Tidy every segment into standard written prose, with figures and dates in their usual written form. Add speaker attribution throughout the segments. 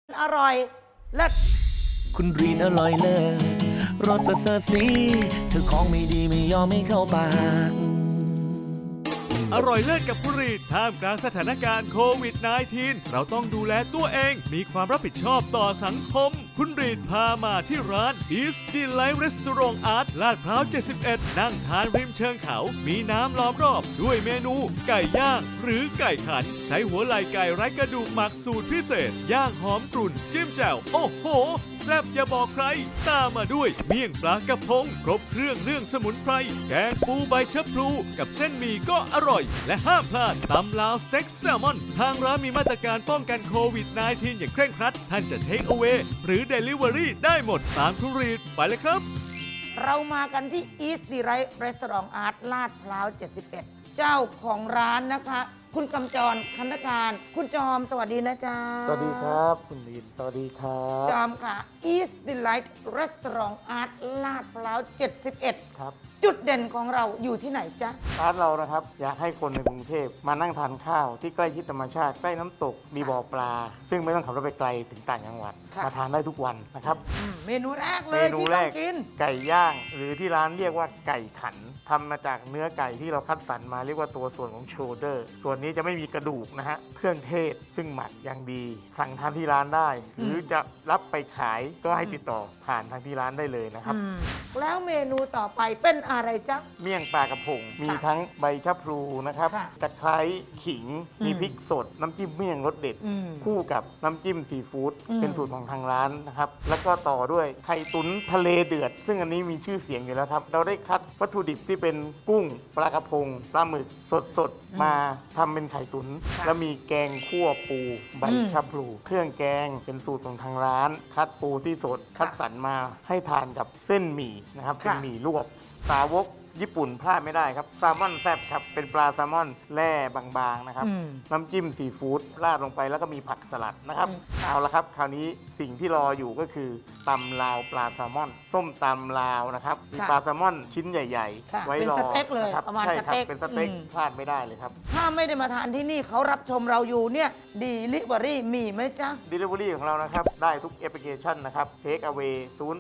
Speaker 1: อร่อยเลิศ
Speaker 2: คุณรีนอร่อยเลิศรสประเสริฐสีเธอของไม่ดีไม่ยอมไม่เข้าปาก
Speaker 3: อร่อยเลิศกับคุณรีดท่ามกลางสถานการณ์โควิด -19 เราต้องดูแลตัวเองมีความรับผิดชอบต่อสังคมคุณรีดพามาที่ร้าน East Delight Restaurant Art ลาดพร้าว 71 นั่งทานริมเชิงเขา มีน้ำล้อมรอบด้วยเมนูไก่ย่างหรือไก่ขัน ใช้หัวไหล่ไก่ไร้กระดูกหมักสูตรพิเศษ ย่างหอมกรุ่นจิ้มแจ่วโอ้โหแซ่บอย่าบอกใคร ตามมาด้วยเมี่ยงปลากระพงครบเครื่องเรื่องสมุนไพรแกงปูใบชะพลูกับเส้นหมี่ก็อร่อย และห้ามพลาดตำลาวสเต็กแซลมอน ทางร้านมีมาตรการป้องกันโควิด -19 อย่างเคร่งครัด ท่านจะเทคเอา a y หรือ Delivery ได้หมดตามคุณรีดไปเลยครับ
Speaker 1: เรามากันที่ East Delight Restaurant Art ลาดพร้าว 71 เจ้าของร้านนะคะ คุณกำจรคันธการ คุณจอมสวัสดีนะจ๊ะ
Speaker 4: สวัสดีครับคุณลินสวัสดีครับ
Speaker 1: จอมค่ะ East Delight Restaurant Art ลาดพร้าว 71
Speaker 4: ครับ
Speaker 1: จุดเด่นของเราอยู่ที่ไหนจ๊ะ
Speaker 4: ร้านเรานะครับอยากให้คนในกรุงเทพมานั่งทานข้าวที่ใกล้ชิดธรรมชาติใกล้น้ำตกมีบ่อปลา ซึ่งไม่ต้องขับรถไปไกลถึงต่างจังหวัด
Speaker 1: ค่ะ
Speaker 4: มาทานได้ทุกวันนะครับ
Speaker 1: เมนูแรกเล
Speaker 4: เม
Speaker 1: ย
Speaker 4: นู
Speaker 1: ที่
Speaker 4: แร
Speaker 1: ต้อง
Speaker 4: ก
Speaker 1: กิน
Speaker 4: ไก่ย่าง หรือที่ร้านเรียกว่าไก่ขันทำมาจากเนื้อไก่ที่เราคัดสรรมาเรียกว่าตัวส่วนของโชเดอร์ส่วนนี้จะไม่มีกระดูกนะฮะเครื่องเทศซึ่งหมักอย่างดีสั่งทานที่ร้านได้ หรือจะรับไปขายก็ให้ติดต่อผ่านทางที่ร้านได้เลยนะครับ
Speaker 1: แล้วเมนูต่อไปเป็นอะไรจ๊ะ
Speaker 4: เมี่ยงปลากระพง มีทั้งใบชะพลูนะครับ
Speaker 1: ค่ะ
Speaker 4: ตะไคร้ขิง มี
Speaker 1: อืม
Speaker 4: พริกสด น้ำจิ้มเมี่ยงรสเด็ด
Speaker 1: อืม
Speaker 4: คู่กับน้ำจิ้มซีฟู้ด
Speaker 1: อืม
Speaker 4: เป็นสูตรของทางร้านนะครับ แล้วก็ต่อด้วยไข่ตุ๋นทะเลเดือด ซึ่งอันนี้มีชื่อเสียงอยู่แล้วครับ เราได้คัดวัตถุดิบที่เป็นกุ้ง ปลากระพง ปลาหมึกสดๆ มาทำเป็นไข่ตุ๋น แล้วมีแกงคั่วปู ใบชะพลู เครื่องแกงเป็นสูตรของทางร้าน คัดปูที่สด คัดสรรมาให้ทานกับเส้นหมี่นะครับ เป็น
Speaker 1: ค่ะ
Speaker 4: หมี่ลวก สาวกญี่ปุ่นพลาดไม่ได้ครับแซลมอนแซ่บครับ เป็นปลาแซลมอนแร่บางๆนะครับ
Speaker 1: อืม
Speaker 4: น้ำจิ้มซีฟู้ดราดลงไปแล้วก็มีผักสลัดนะครับ เอาละครับ คราวนี้สิ่งที่รออยู่ก็คือตำลาวปลาแซลมอน ส้มตำลาวนะครับมี
Speaker 1: ค่ะ
Speaker 4: ปลาแซลมอนชิ้นใหญ่
Speaker 1: ค่ะ
Speaker 4: ๆ ไว้
Speaker 1: เป็น
Speaker 4: รอ
Speaker 1: สเต็กเลย
Speaker 4: นคบ
Speaker 1: ประมาณ
Speaker 4: ใช่ค
Speaker 1: สเต็ก
Speaker 4: เป็นสเต็ก
Speaker 1: อืม
Speaker 4: พลาดไม่ได้เลยครับ
Speaker 1: ถ้าไม่ได้มาทานที่นี่เขารับชมเราอยู่เนี่ยดีลิเวอรี่มีไหมจ๊ะ
Speaker 4: Delivery ของเรานะครับ ได้ทุกแอปพลิเคชันนะครับ Take Away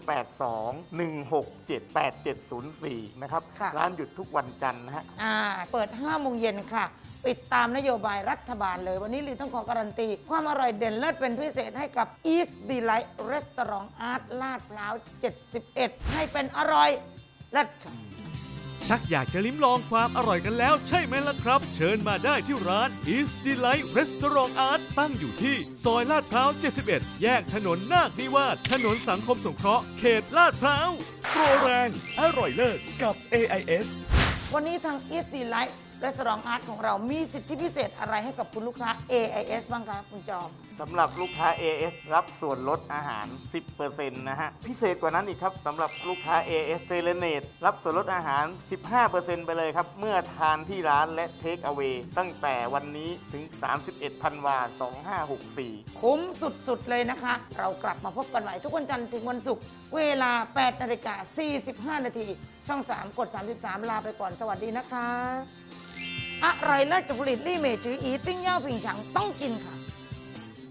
Speaker 4: 082-167-8704 นะครับ
Speaker 1: ค่ะ
Speaker 4: ร้านหยุดทุกวันจันทร์นะฮะ
Speaker 1: เปิด 5 โมงเย็นค่ะ ปิดตามนโยบายรัฐบาลเลย วันนี้ลีต้องขอการันตี ความอร่อยเด่นเลิศเป็นพิเศษให้กับ East Delight Restaurant Art ลาดพร้าว 71 ให้เป็นอร่อยเลิศค่ะ
Speaker 3: ชักอยากจะลิ้มลองความอร่อยกันแล้วใช่ไหมล่ะครับ เชิญมาได้ที่ร้าน East Delight Restaurant Art ตั้งอยู่ที่ซอยลาดพร้าว 71 แยกถนนนาคนิวาสถนนสังคมสงเคราะห์เขตลาดพร้าวโปรแรงอร่อยเลิศกับ AIS
Speaker 1: วันนี้ทาง East Delight Restaurant Art ของเรามีสิทธิพิเศษอะไรให้กับคุณลูกค้า AIS บ้างคะคุณจอม
Speaker 4: สำหรับลูกค้า AS รับส่วนลดอาหาร 10% นะฮะ พิเศษกว่านั้นอีกครับสำหรับลูกค้า AS s e l e n a t e รับส่วนลดอาหาร 15% ไปเลยครับ เมื่อทานที่ร้านและ Take Away ตั้งแต่วันนี้ถึง 31 ธันวาคม 2564
Speaker 1: คุ้มสุดๆเลยนะคะ เรากลับมาพบกันใหม่ทุกวันจันทร์ถึงวันศุกร์เวลา 8:45 น. ช่อง 3 กด 33 ลาไปก่อนสวัสดีนะคะ อร่อยเลิศกับผลิตลี่เมจืออีติ้งเย่าผิงฉังต้องกินค่ะ